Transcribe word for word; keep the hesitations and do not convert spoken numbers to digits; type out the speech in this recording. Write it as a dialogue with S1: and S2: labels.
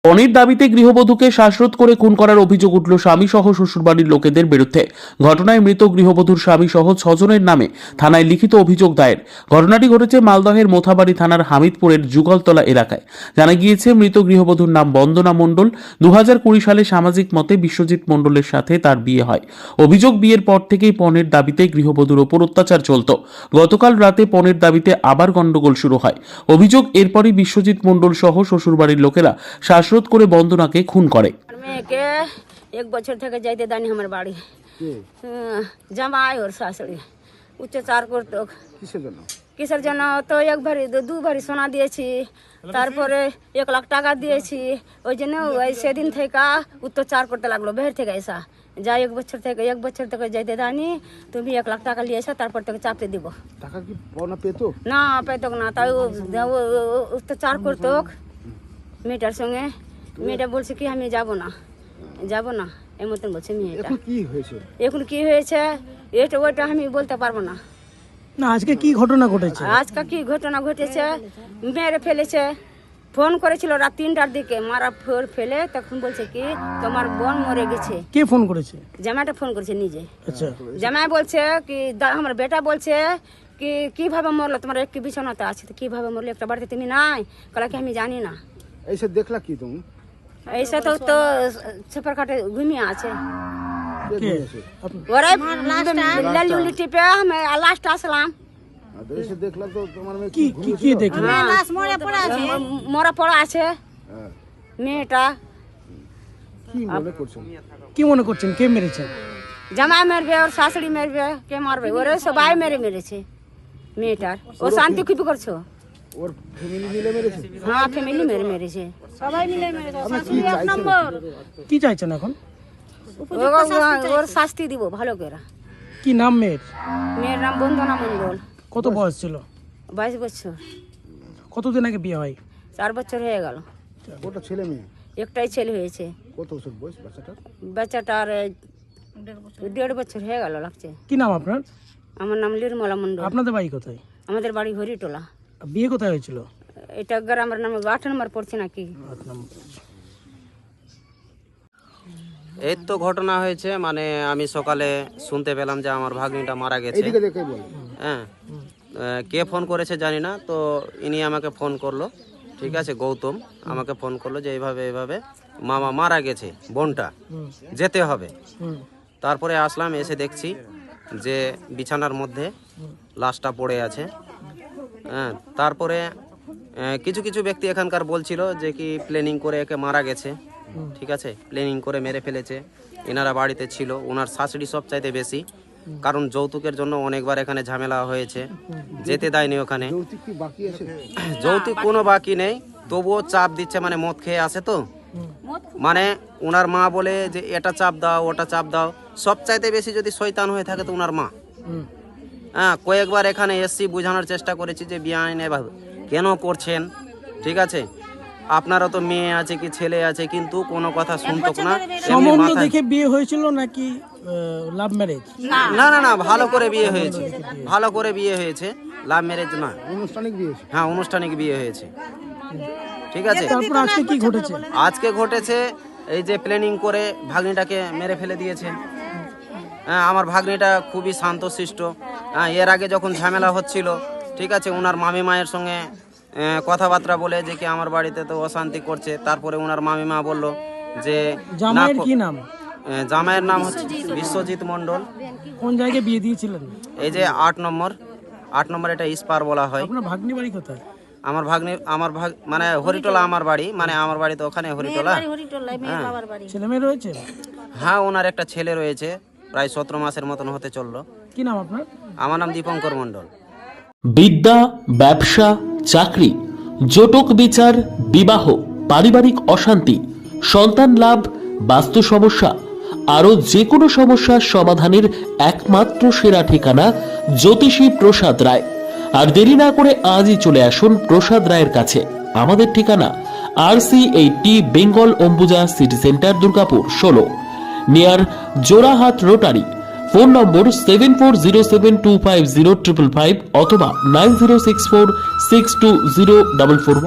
S1: পণের দাবিতে গৃহবধূকে শ্বাসরোধ করে খুন করার অভিযোগ উঠল স্বামী সহ শ্বশুরবাড়ির লোকেদের বিরুদ্ধে। ঘটনায় মৃত গৃহবধূর স্বামী সহ ছজনের নামে থানায় লিখিত অভিযোগ দায়ের। ঘটনাটি ঘটেছে মালদহের মোথাবাড়ি থানার হামিদপুরের যুগলতলা এলাকায়। জানা গিয়েছে, মৃত গৃহবধূর নাম বন্দনা মণ্ডল। দু হাজার কুড়ি সালে সামাজিক মতে বিশ্বজিৎ মণ্ডলের সাথে তার বিয়ে হয়। অভিযোগ, বিয়ের পর থেকেই পণের দাবিতে গৃহবধূর ওপর অত্যাচার চলত। গতকাল রাতে পণের দাবিতে আবার গন্ডগোল শুরু হয়। অভিযোগ, এরপরই বিশ্বজিৎ মণ্ডল সহ শ্বশুরবাড়ির লোকেরা শ্বাসরোধ করে বন্দনাকে খুন করে।
S2: মেয়েকে এক বছর থেকে যাইতে দানি আমার বাড়ি জামাই ওর শাশুড়ি অত্যাচার করতো।
S3: কিসের জন্য?
S2: কিসের জন্য? তো এক ভারি দু ভারি সোনা দিয়েছি, তারপরে এক লাখ টাকা দিয়েছি। ওই জন্য ওই সেদিন থেকে অত্যাচার করতে লাগলো। বের থেকে এসা যা এক বছর থেকে এক বছর থেকে যাইতে দানি, তুমি এক লাখ টাকা নিয়ে এসা, তারপর থেকে চাপতে দিব।
S3: টাকা কি পাওনা পেতো?
S2: না পেতো না, তাই অত্যাচার করতো মেয়েটার সঙ্গে। মেয়েটা বলছে কি আমি যাব না যাব না এই মতন বলছে মেয়েটা।
S3: এখন কি হয়েছে?
S2: এখন কি হয়েছে এটা ওইটা আমি বলতে পারবো না।
S4: না, আজকে কি ঘটনা ঘটেছে?
S2: আজকে কি ঘটনা ঘটেছে, মেরে ফেলেছে। ফোন করেছিল রাত তিনটার দিকে, মারা ফোর ফেলে তখন বলছে কি তোমার বোন মরে গেছে।
S4: কে ফোন করেছে?
S2: জামাইটা ফোন করেছে নিজে।
S4: আচ্ছা,
S2: জামাই বলছে কি আমার বেটা বলছে কি কিভাবে মরলো, তোমার একটি বিছানাতে আছে, তো কিভাবে মরলো, একটা বাড়িতে তুমি নাই? কলা কি আমি জানি না।
S3: এইসব দেখলা কি তুমি?
S2: ऐसा तो तो छपर काटे घूमिया আছে।
S3: কে ঘুমিয়েছে?
S2: ওরে লালি উলি টিপে আমি লাস্ট আসলাম।
S3: আর তো এসে দেখলা তো তোমার মেয়ে
S4: কি
S3: কি
S4: কি কি
S3: ঘুমিয়েছিল?
S4: দেখলেন?
S2: লাশ মরে পড়ে আছে, মরা পড়া আছে
S3: হ্যাঁ।
S2: মেয়েটা।
S3: কি মনে করছেন?
S4: কি মনে করছেন কে মেরেছে?
S2: জামাই মারবে ওর শাশুড়ি মারবে, কে মারবে? ওরে সবাই মেরে মেরেছে মেয়েটার। ও শান্তি খুবই করছো।
S3: ওর ফ্যামিলি মিলে মেরেছে?
S2: হ্যাঁ ফ্যামিলি মেরে মেরেছে, সবাই মিলে মেরেছে।
S3: আপনি কি চাইছেন?
S4: কি চাইছেন এখন?
S2: ওর শাস্তি দিব ভালো করে।
S4: কি নাম মেয়ের?
S2: মেয়ের নাম বন্দনা মণ্ডল।
S4: কত বয়স ছিল?
S2: বাইশ বছর।
S4: কতদিন আগে বিয়ে হয়?
S2: চার বছর হয়ে গেল।
S3: ওটা ছেলে মেয়ে?
S2: একটাই ছেলে হয়েছে।
S3: কত বছর বয়স বাচ্চাটার?
S2: বাচ্চাটার দেড় বছর হয়ে গেল লাগছে।
S4: কি নাম আপনার?
S2: আমার নাম নির্মলা মণ্ডল।
S4: আপনাদের বাড়ি কোথায়?
S2: আমাদের বাড়ি হরিটোলা।
S4: বিয়ে কোথায় হয়েছিল?
S2: এটা গ্রামের নামে আট নম্বর পড়ছে নাকি।
S4: আট নম্বর।
S5: এই তো ঘটনা হয়েছে, মানে আমি সকালে শুনতে পেলাম যে আমার ভাগ্নিটা মারা গেছে।
S3: এইদিকে দেখে বল।
S5: হ্যাঁ, কে ফোন করেছে জানি না, তো ইনি আমাকে ফোন করলো। ঠিক আছে, গৌতম আমাকে ফোন করলো যে এইভাবে এইভাবে মামা মারা গেছে, বোনটা যেতে হবে। তারপরে আসলাম, এসে দেখছি যে বিছানার মধ্যে লাশটা পড়ে আছে। হ্যাঁ, তারপরে কিছু কিছু ব্যক্তি এখানকার বলছিল যে কি প্ল্যানিং করে একে মারা গেছে। ঠিক আছে, প্ল্যানিং করে মেরে ফেলেছে। এনারা বাড়িতে ছিল, ওনার শাশুড়ি সব চাইতে বেশি, কারণ যৌতুকের জন্য অনেকবার এখানে ঝামেলা হয়েছে, যেতে দেয়নি ওখানে।
S3: যৌতুক কি বাকি আছে?
S5: যৌতুক কোনো বাকি নেই, তবুও চাপ দিচ্ছে, মানে মদ খেয়ে আসে তো, মানে ওনার মা বলে যে এটা চাপ দাও ওটা চাপ দাও। সব চাইতে বেশি যদি শয়তান হয়ে থাকে তো ওনার মা। হ্যাঁ, কয়েকবার এখানে এসছি, বোঝানোর চেষ্টা করেছি যে বিয়ে আইন এভাবে কেন করছেন। ঠিক আছে, আপনারও তো মেয়ে আছে কি ছেলে আছে, কিন্তু কোনো কথা শুনতো না।
S4: সম্বন্ধ দেখে বিয়ে হয়েছিল নাকি লাভ ম্যারেজ?
S5: না না না, ভালো করে বিয়ে হয়েছে, ভালো করে বিয়ে হয়েছে, লাভ ম্যারেজ না।
S3: আনুষ্ঠানিক বিয়ে হয়েছে?
S5: হ্যাঁ, আনুষ্ঠানিক বিয়ে হয়েছে। ঠিক আছে,
S4: তারপর আজকে কি ঘটেছে?
S5: আজকে ঘটেছে এই যে প্ল্যানিং করে ভাগ্নিটাকে মেরে ফেলে দিয়েছে। হ্যাঁ, আমার ভাগ্নিটা খুবই শান্তশিষ্ট। হ্যাঁ, এর আগে যখন ঝামেলা হচ্ছিল, ঠিক আছে, ওনার মামি মায়ের সঙ্গে কথাবার্তা বলে যে কি আমার বাড়িতে তো অশান্তি করছে। তারপরে ওনার মামি মা বলল যে
S4: জামাইয়ের কি নাম?
S5: জামাইয়ের নাম হচ্ছে বিশ্বজিৎ মণ্ডল।
S4: কোন জায়গায় বিয়ে দিয়েছিলেন?
S5: এই যে আট নম্বর আট নম্বর এটা ইস্পার বলা হয়।
S4: আপনার ভাগ্নি বাড়ি কোথায়?
S5: আমার ভাগ্নি আমার ভাগ মানে হরিটোলা আমার বাড়ি, মানে আমার বাড়ি তো ওখানে হরিটোলা।
S4: ছেলে মেয়ে রয়েছে?
S5: হ্যাঁ, ওনার একটা ছেলে রয়েছে, প্রায় সতেরো মাসের মতন হতে চললো।
S4: কি নাম আপনার?
S5: আমার নাম দীপঙ্কর মণ্ডল।
S1: বিদ্যা, ব্যবসা, চাকরি, জটক বিচার, বিবাহ, পারিবারিক অশান্তি, সন্তান লাভ, বাস্তু সমস্যা, আরও যে কোনো সমস্যার সমাধানের একমাত্র সেরা ঠিকানা জ্যোতিষী প্রসাদ রায়। আর দেরি না করে আজই চলে আসুন প্রসাদ রায়ের কাছে। আমাদের ঠিকানা R C eighty Bengal Ambuja city centre, Durgapur ষোলো, near Jorahat rotary. Phone number seven four zero seven two five zero triple five অথবা nine zero six four six two zero double four.